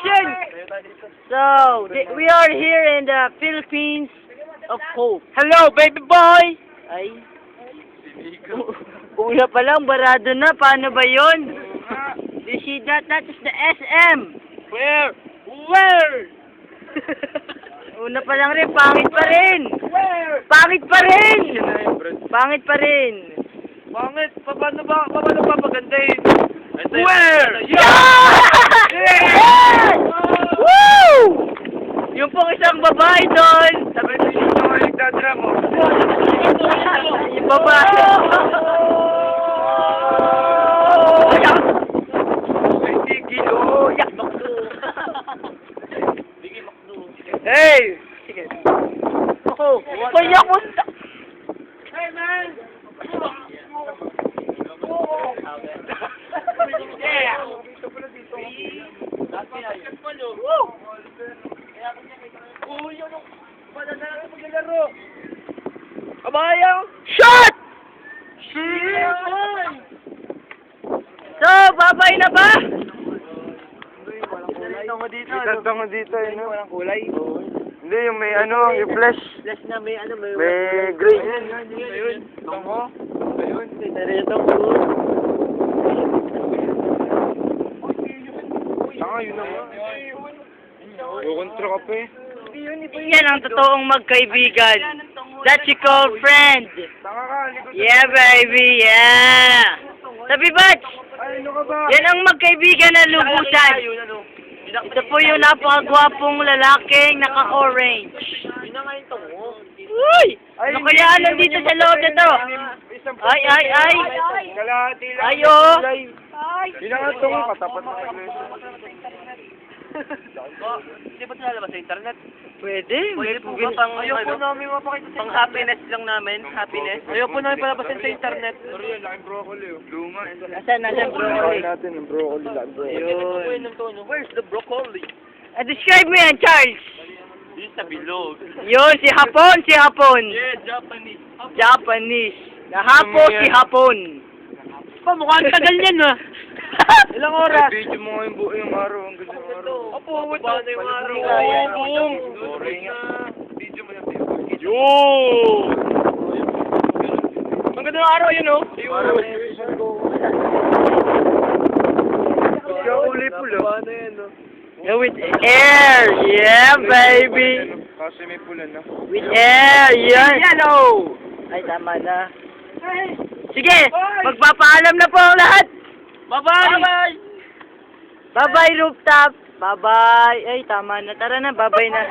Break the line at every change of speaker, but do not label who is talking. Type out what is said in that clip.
action! So, we are here in the Philippines of Hope. Hello, baby boy! Ay. Una pa lang, barado na. Paano ba yun? You see that? That is the SM. Where? Una pa lang rin, pangit pa rin. Pangit pa rin. Pangit pa rin.
Pangit? Paano ba pagandahin?
Where? Yes! Woo! Yung pong isang babae doon.
Sabi ko yung mga nagdadra mo.
Yung babae.
Ay, tigil o. Yak bakdo. Tigil bakdo. Hey!
Sige. Ako. Kaya ko.
Hey, man! Kabayang!
Shot! So, babay na ba?
Itanda mo dito, eh, no? Walang kulay. Hindi, yung may ano, yung flash.
Flash na may ano, may
gray.
Ayun.
Tango. Ayun.
Narito po.
Tanga, yun naman. Kukontra ka pa eh.
Yan ang totoong magkaibigan. That you call friend.
Tanga ka, likod.
Yeah, baby, yeah. Sabi Batch,
Ay, ano ka ba?
yan ang magkaibigan na lubusan. Ito po yung napakagwapong lalaking naka-orange. Uy! Ano kaya nandito sa loob na to? Ay!
Kalahati lang.
Ay, oh!
Yun ang ito ko, katapat na iglesia.
Hindi ba lalabas sa internet?
Pwede.
Pwede po ba pang,
Ayoko namin mapakita
pang happiness lang namin? Happiness? Ayaw po namin palabasin sa internet.
Sorry, laking broccoli oh. Luma.
Nasaan broccoli?
natin ang broccoli, laking broccoli.
Where's the broccoli?
Describe mo yan, Charles.
Di sa bilog.
Yun, si Hapon.
Yeah, Japanese.
Japanese. Nahapo si Hapon.
Mukhang tagal yan ah.
Ilang oras?
Video mo nga yung araw, ang ganda ng araw.
Opo, wait na yung araw.
Boom! Video mo yung video.
Yo! Ang ganda ng araw yun oh.
Ikaw uli pula.
Yeah, with air. Yeah, baby.
Kasi may pula na.
With air. Yeah. Yellow. Ay, tama na. Sige, magpapaalam na po ang lahat.
Bye-bye!
Bye-bye, rooftop. Bye-bye. Ay, tama na. Tara na, bye-bye na.